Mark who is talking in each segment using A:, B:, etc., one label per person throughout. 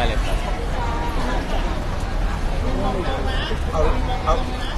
A: เลยครับ
B: เอาเอา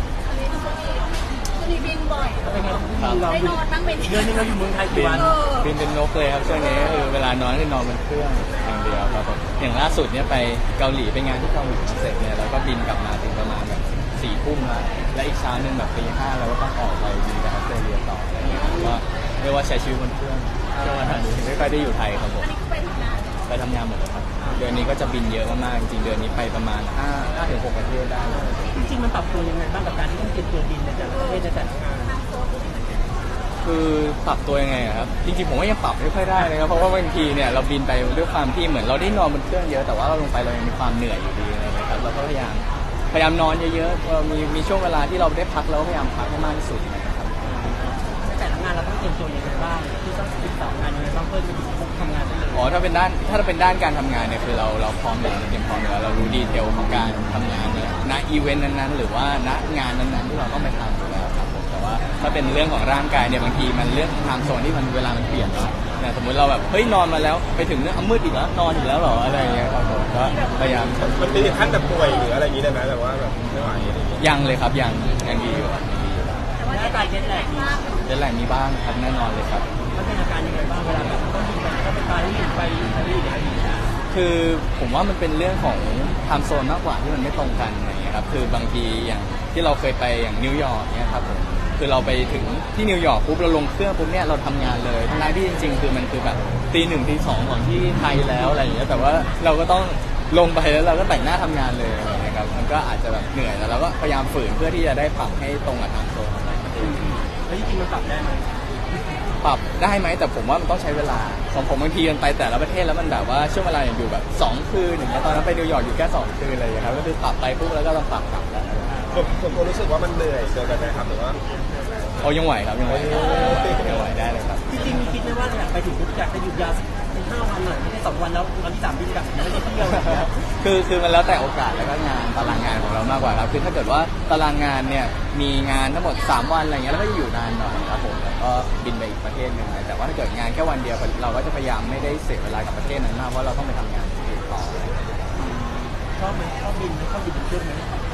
C: มีบินบ่อย
D: เป็นไง
C: ได้นอนบ้างไหม
D: เดือนนึงเราอยู่เมืองไทยกี่วัน
A: บินเป็นนกเลยครับช่วงนี้คือเวลานอนคือนอนบนเครื่องอย่างเดียวครับผมอย่างล่าสุดเนี่ยไปเกาหลีไปงานที่เกาหลีเสร็จเนี่ยแล้วก็บินกลับมาถึงประมาณแบบ4 ทุ่มแล้วอีกเช้านึงแบบตี 5เราก็ต้องออกไปบินไปออสเตรเลียต่ออะไรเงี้ยก็เรียกว่าใช้ชีวิตบนเครื่องช่วงวันนี้ไม่ค่อยได้อยู่ไทยครับผมไปทำงานหมดเลยครับเดือนนี้ก็จะบินเยอะมากๆจริงๆเดือนนี้ไปประมาณ5 ถึง 6 ประเทศได้
D: จริงๆมันปรับตัวยังไงบ้างกับการที่ต้องเก็บตัวบินในแต่ละประเทศในแต่ละงาน
A: คือปรับตัวยังไงครับจริงๆผมว่ายังปรับไม่ค่อยได้นะครับเพราะว่าบางทีเนี่ยเราบินไปด้วยความที่เหมือนเราได้นอนบนเครื่องเยอะแต่ว่าเราลงไปเรายังมีความเหนื่อยอยู่ดีอะไรนะครับเราก็พยายามนอนเยอะๆมีช่วงเวลาที่เราได้พักเราพยายามพักให้มากที่สุดนะครับ
D: ในแต่ละงานเราต้องเตรียมตัวยังไงบ้างที่ต้องศึกษางานยังไงบ้างเพื่อจะทำงานได้เลย
A: ถ้าเป็นด้านการทำงานเนี่ยคือเราพร้อมอยู่แล้วเตรียมพร้อมอยู่แล้วเรารู้ดีเทลของการทำงานเนี่ยณอีเวนต์นั้นๆหรือว่าณงานนั้นๆที่เราต้องไปทำอยู่แล้วครับผมแต่ว่าถ้าเป็นเรื่องของร่างกายเนี่ยบางทีมันเรื่องไทม์โซนที่มันเวลามันเปลี่ยนเนาะเนี่ยสมมติเราแบบเฮ้ยนอนมาแล้วไปถึงเนี่ยมืดอีกแล้วนอนอีกแล้วหรออะไรอย่างเงี้ยครับผมก็พยายาม
B: มันถึงขั้นแบบป่วยหรืออะไรอย่างนี้ได้ไหมแบบว่าแบบไม่ไหวอะไรอย่างเงี้ย
A: ยังเลยครับยังดีอยู่
D: แต่ว่าอาการเจ็ตแลก
A: มีบ้างครับแน่นอนเลยครับ
D: มันเป็นอาการยังไงบ้างเวลาแบบต้องบินไปก็ไปปารีสไปอิตาลีหรืออะไรอย่างเงี้ย
A: คือผมว่ามันเป็นเรื่องของไทม์โซนมากกว่าที่มันไม่ตรงกันอะไรอย่างเงี้ยครับคือบางทีอย่างที่เราเคยไปอย่างนิวยอร์กเนี่ยครับผมคือเราไปถึงที่นิวยอร์กปุ๊บเราลงเครื่องปุ๊บเนี่ยเราทำงานเลยทั้งที่จริงๆคือมันคือแบบตี 1 ตี 2ของที่ไทยแล้วอะไรอย่างเงี้ยแต่ว่าเราก็ต้องลงไปแล้วเราก็แต่งหน้าทำงานเลยนะครับมันก็อาจจะแบบเหนื่อยแล้วเราก็พยายามฝืนเพื่อที่จะได้ปรับให้ตรงกับไทม์โซน
D: แล้วจริงๆมันปรับได้ไหม
A: ปรับได้ไหมแต่ผมว่ามันต้องใช้เวลาของผมบางทีมันไปแต่ละประเทศแล้วมันแบบว่าช่วงเวลาอย่างอยู่แบบ2 คืนอย่างเงี้ยตอนนั้นไปนิวยอร์กอยู่แค่2 คืนอะไรอย่างเงี้ยครับก็คือปรับไปปุ๊บแล้วก็ต้องปรับกลับแล้ว
B: ผมรู้สึกว่ามันเหนื่อยเกินไปไหมครับหรือว่า
A: ยังไหวครับยังไหวได้เลยครับ
D: จริงๆมีคิดไหมว่าอยากไปถึงปุ๊บอยากจะหยุดยาวเป็น5 วันหน่อยไม่ใช่2 วันแล้ววันที่3บินกลับไม่ได้เที่ยว
A: คือมันแล้วแต่โอกาสแล้วก็งานตารางงานของเรามากกว่าครับคือถ้าเกิดว่าตารางงานเนี่ยมีงานทั้งหมด3 วันอะไรเงี้ยแล้วก็จะอยู่นานหน่อยครับผมแล้วก็บินไปอีกประเทศหนึ่งแต่ว่าถ้าเกิดงานแค่วันเดียวเราก็จะพยายามไม่ได้เสียเวลากับประเทศนั้นมากเพราะเราต้องไปทำงานต่อ
D: ชอบไหมชอบบินเครื่องไหม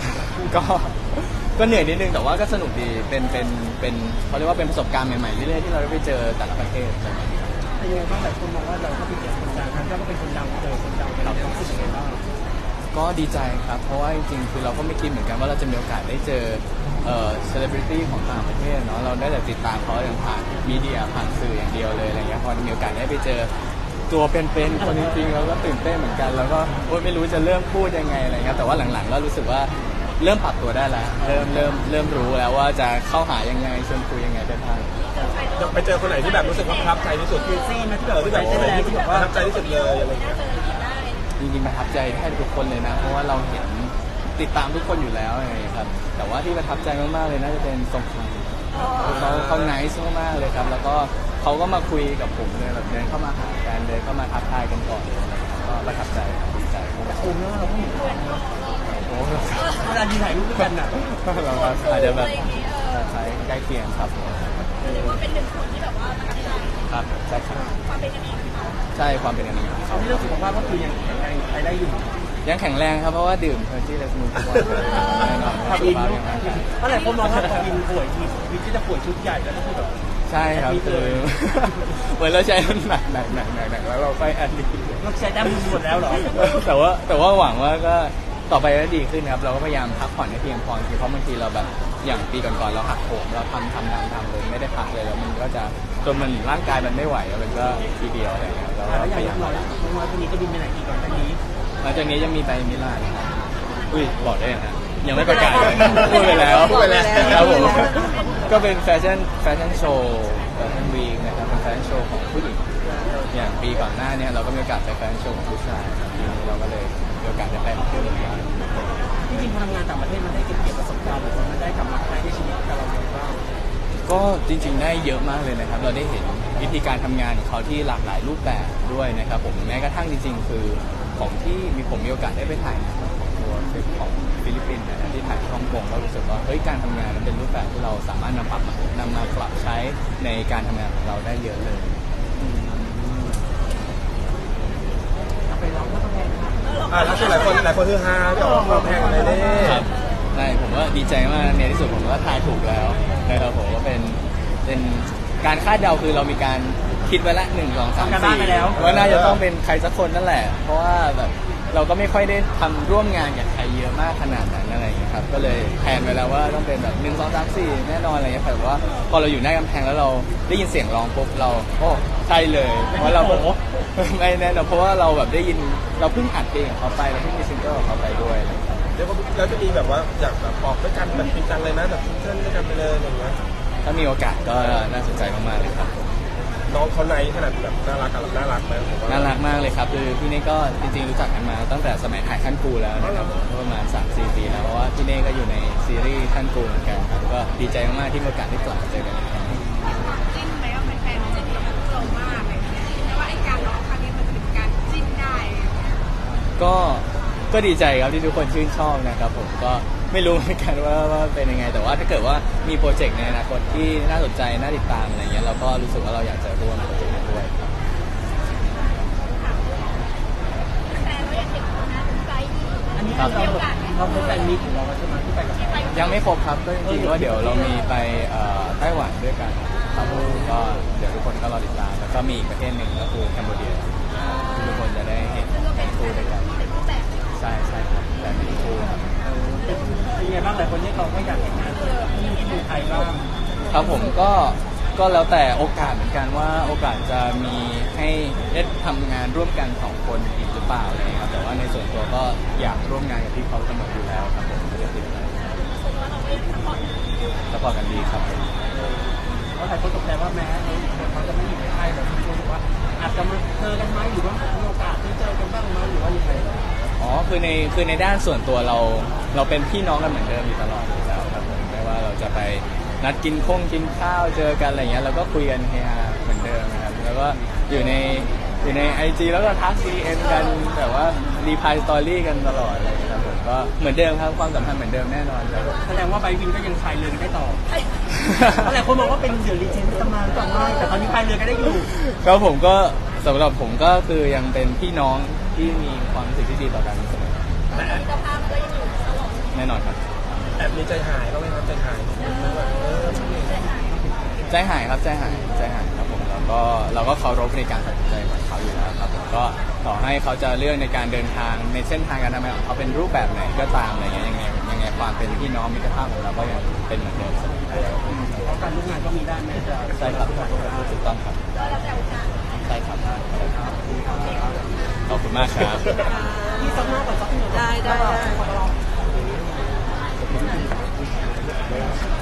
A: ก็เหนื่อยนิดนึงแต่ว่าก็สนุกดีเป็นเขาเรียกว่าเป็นประสบการณ์ใหม่ๆเรื่อยๆที่เราได้ไปเจอแต่ละประเทศอะไรอย่างเงี้ย
D: แต่ยังไงบ้างหลายคนมองว่าเราก็เป็นคนดังท่านก็เป็นคนดังเจอคนดังเราต้องรู้สึกยังไงบ้าง
A: ก็ดีใจครับเพราะว่าจริงๆคือเราก็ไม่คิดเหมือนกันว่าเราจะมีโอกาสได้เจอเซเลบริตี้ของต่างประเทศเนาะเราได้แต่ติดตามเขาอย่างผ่านมีเดียผ่านสื่ออย่างเดียวเลยอะไรเงี้ยพอมีโอกาสได้ไปเจอตัวเป็นๆคนจริงๆเราก็ตื่นเต้นเหมือนกันแล้วก็ไม่รู้จะเริ่มพูดยังไงอะไรเงี้ยแต่ว่าหลังๆก็รู้สึกว่าเริ่มปรับตัวได้แล้วเริ่มรู้แล้วว่าจะเข้าหายังไงชวนคุยยังไงได้บ้าง
B: ไปเจอคนไหนที่แบบรู้สึกว่าประทับใจที่สุด
D: คือซี่มาที่แบบ
B: ที่แบบประทับใจที่สุดเลยอะไรเงี้ย
A: จริงๆประทับใจแทบทุกคนเลยนะเพราะว่าเราเห็นติดตามทุกคนอยู่แล้วไงครับแต่ว่าที่ประทับใจมากๆเลยน่าจะเป็นทรงชัยเขาไนซ์มากๆเลยครับแล้วก็เขาก็มาคุยกับผมเลยแบบเดินเข้ามาหากันเดินเข้ามาทักทายกันก่อนก็ประทับใจดีใจ
D: แต่คุณเนี่ยเราไม่เห็นเวลาดีถ่ายรูปด้วยกันอ่ะ
A: เราอาจจะแบบใช้ใกล้เคียงครับ
C: เรียกว่าเป็น1 คนที่แบบว่าประทับใจ
A: ครับใช่ครับ
C: ความเป็นกันเอง
A: ใช่ความเป็นกันเอง
D: เขาที่เรื่องสุขภาพก็คือยังแข็งแรงไปได้อยู่
A: ยังแข็งแรงครับเพราะว่าดื่มเทอร์จี้และสมูททุกวันแน่นอน
D: ครับอินเพราะหลายคนมองว่าพออินป่วยทีวิธีจะป่วยชุดใหญ่แล้วก็คือแบบ
A: ใช่ครับคือเหมือนเราใช้หนักแล้วเราค่อยแอดดิ
D: เราใช้ได้หมดแล้วเหรอ
A: แต่ว่าหวังว่าก็ต่อไปก็ดีขึ้นครับเราก็พยายามพักผ่อนให้เพียงพอเพราะบางทีเราแบบอย่างปีก่อนๆเราหักโหมเราทำเลยไม่ได้พักเลยแล้วมันก็จะจนมันร่างกายมันไม่ไหวแล้วมันก็ทีเดียวอะไรอย่างเงี้ยเรา
D: พยายามน้อยคนนี้จะบินไปไหนอีกก่อนหน้านี้
A: หลังจากนี้จะมีไปมิลานบอกได้นะยังไม่ประกาศเลยพูดไปแล้วครับผมก็เป็นแฟชั่นโชว์แฟชั่นวีคนะครับเป็นแฟชั่นโชว์ของผู้หญิงอย่างปีก่อนหน้านี้เราก็มีโอกาสไปแฟชั่นโชว์ของผู้ชายปีนี้เราก็เลยมีโอกาสได้ไปของผู้หญิง
D: จริงๆพอทำงานต่างประเทศมันได้เก็บประสบการณ์หรือมันได้กลับมาใช้ในชีวิตกับเราเองบ้าง
A: ก็จริงๆได้เยอะมากเลยนะครับเราได้เห็นวิธีการทำงานของเขาที่หลากหลายรูปแบบด้วยนะครับผมแม้กระทั่งจริงๆคือของที่ผมมีโอกาสได้ไปถ่ายของตัวคลิปของฟิลิปปินส์นะที่ถ่ายฮ่องกงก็รู้สึกว่าการทำงานมันเป็นรูปแบบที่เราสามารถนำมาปรับใช้ในการทำงานของเราได้เยอะเลย
D: ไปลองก็ต้องแพง
B: แล้วส่วนหลายคนคือฮาก็ออกมาแพงเลยนี่
A: ครับใช่ผมว่าดีใจมากในที่สุดผมก็ทายถูกแล้วนะครับผมว่าเป็นการคาดเดาคือเรามีการคิดไว้ละ1 2 3 4ว่าน่าจะต้องเป็นใครสักคนนั่นแหละเพราะว่าแบบเราก็ไม่ค่อยได้ทำร่วมงานกับใครเยอะมากขนาดนั้นอะไรอย่างเงี้ยครับก็เลยแพลนไว้แล้วว่าต้องเป็นแบบ1 2 3 4แน่นอนอะไรเงี้ยแต่ว่าพอเราอยู่หน้ากำแพงแล้วเราได้ยินเสียงร้องปุ๊บเราโอ้ใช่เลยเพราะเราไม่แน่นอนเพราะว่าเราแบบได้ยินเราเพิ่งอัดเพลงของเขาไปเราเพิ่งมีซิงเกิลของเขาไปด้วย
B: เดี๋ยวเราจะมีแบบว่าอยากแบบออกด้วยกันแบบจริงจังเลยนะแบบซิงเกิลด้วยกันไปเลยอย่างเงี้ย
A: ถ้ามีโอกาสก็น่าสนใจมากๆเลยครับ
B: น้องเขาในขนาดแบบน่ารักกับน่ารักไหมผมว่า
A: น่ารักมากเลยครับคือพี่เน่ก็จริงๆรู้จักกันมาตั้งแต่สมัยถ่ายขั้นกูแล้วนะครับก็ประมาณ 3-4 ปีแล้วเพราะว่าพี่เน่ก็อยู่ในซีรีส์ขั้นกูเหมือนกันครับก็ดีใจมากๆที่มีโอกาสได้กลับมาเจอกันอีกครั้ง
C: จิ้นไหมว่าแฟนๆจะดีกับเรามากอะไรอย่างเงี้ยแต่ว่าไอ้การร้องครั้งนี้มันจะเป็นการจิ้นได้อะไรอย่างเงี้ย
A: ก็ดีใจครับที่ทุกคนชื่นชอบนะครับผมก็ไม่รู้เหมือนกันว่าเป็นยังไง แต่ว่าถ้าเกิดว่ามีโปรเจกต์ในอนาคตที่น่าสนใจน่าติดตามอะไรเงี้ยเราก็รู้สึกว่าเราอยากจะร่วมโปรเจกต์นั้นด้วยครับ
C: แต่เราอยากเห็นคนนั้นใจดี
D: อันนี้คือเราเป็นแฟนมีของเราใช่ไหมที่ไปกับ
A: ยังไม่ครบครับก็จริงๆว่าเดี๋ยวเรามีไปไต้หวันด้วยกันครับผมก็เดี๋ยวทุกคนก็รอติดตามแล้วก็มีอีกประเทศหนึ่งก็คือแคนเบเดียที่ทุกคนจะได้เห็น
C: ซึ่งก็เป็น
A: คู่ด้วยกัน
C: เป็นรูปแบบ
A: ใช่ครับแต่เป็นคู่ครับ
D: เป็นไงบ้างหลายคนที่เขาก็อยากเห็นงานที่เมืองไทยบ้าง
A: ครับผมก็แล้วแต่โอกาสเหมือนกันว่าโอกาสจะมีให้ได้ทำงานร่วมกัน2 คนอีกหรือเปล่าอะไรอย่างเงี้ยครับแต่ว่าในส่วนตัวก็อยากร่วมงานกับที่เขากำหนดอยู่แล้วครับผมไม่ได้ติดอะไร
C: คนว่าเราก็ยังซัพพอร์ต
A: สปอร์ตกันดีครับผม
D: เพราะหลายคนตกใจว่าแม้เขาจะไม่อยู่ในไทยแต่ทุกคนบอกว่าอาจจะมาเจอกันไหมหรือว่ามีโอกาสได้เจอกันบ้างไหมหรือว่ายังไง
A: อ๋อคือในด้านส่วนตัวเราเป็นพี่น้องกันเหมือนเดิมอยู่ตลอดอยู่แล้วครับผมไม่ว่าเราจะไปนัดกินข้าวเจอกันอะไรเงี้ยเราก็คุยกันเฮฮาเหมือนเดิมนะครับแล้วก็อยู่ใน IG แล้วก็ทัก DM กันแบบว่ารีพายสตอรี่กันตลอดอะไรเลยครับผมก็เหมือนเดิมครับความสัมพันธ์เหมือนเดิมแน่นอนครับ
D: แสดงว่าไบวินก็ยังพายเรือได้ต่อเพราะหลายคนมองว่าเป็นเดี๋ยวรีเจนต์ตำนานต่อมาแต่ตอนนี้พายเรือก็ได้อยู่
A: ครับผมก็สำหรับผมก็คือยังเป็นพี่น้องที่มีความรู้สึกที่ดีต่อกันเสมอ
C: มิตรภาพก็ยังอยู่ตลอด
A: แน่นอนครับ
B: แอบมีใจหายบ้างไหมครับใจหายแบบ
A: ใจหายครับใจหายครับผมแล้วก็เราก็เคารพในการตัดสินใจของเขาอยู่แล้วครับผมก็ต่อให้เขาจะเลือกในการเดินทางในเส้นทางการทำงานของเขาเป็นรูปแบบไหนก็ตามอะไรเงี้ยยังไงความเป็นพี่น้องมิตรภาพของเราก็ยังเป็นเหมือนเดิมเสมอ
D: เพราะการร่วมงานก็มีด้านแม้จะ
A: ใช่ครับถูกต้องครับ
C: แล้วแต่โอกาส
A: ใช่ครับขอบคุณมากครับ